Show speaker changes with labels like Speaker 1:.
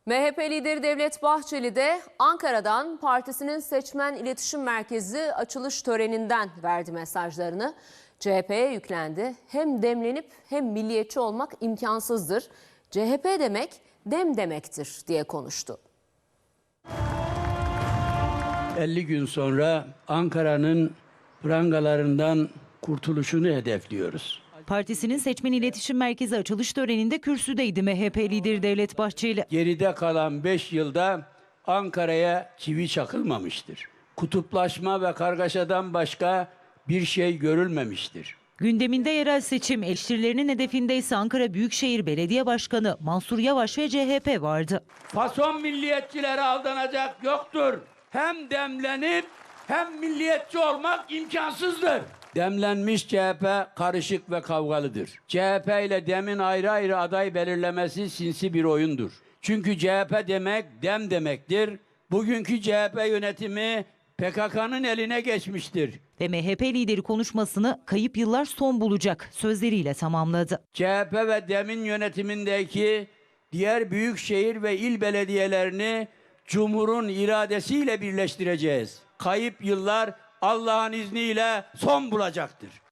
Speaker 1: MHP lideri Devlet Bahçeli de Ankara'dan partisinin seçmen iletişim merkezi açılış töreninden verdi mesajlarını. CHP'ye yüklendi. Hem demlenip hem milliyetçi olmak imkansızdır. CHP demek dem demektir diye konuştu.
Speaker 2: 50 gün sonra Ankara'nın prangalarından kurtuluşunu hedefliyoruz.
Speaker 3: Partisinin seçmen iletişim merkezi açılış töreninde kürsüdeydi MHP lideri Devlet Bahçeli.
Speaker 2: Geride kalan 5 yılda Ankara'ya çivi çakılmamıştır. Kutuplaşma ve kargaşadan başka bir şey görülmemiştir.
Speaker 3: Gündeminde yerel seçim, eleştirilerinin hedefinde ise Ankara Büyükşehir Belediye Başkanı Mansur Yavaş ve CHP vardı.
Speaker 2: Fason milliyetçilere aldanacak yoktur. Hem demlenip hem milliyetçi olmak imkansızdır. Demlenmiş CHP karışık ve kavgalıdır. CHP ile demin ayrı ayrı aday belirlemesi sinsi bir oyundur. Çünkü CHP demek dem demektir. Bugünkü CHP yönetimi PKK'nın eline geçmiştir.
Speaker 3: Ve MHP lideri konuşmasını kayıp yıllar son bulacak sözleriyle tamamladı.
Speaker 2: CHP ve demin yönetimindeki diğer büyükşehir ve il belediyelerini Cumhur'un iradesiyle birleştireceğiz. Kayıp yıllar Allah'ın izniyle son bulacaktır.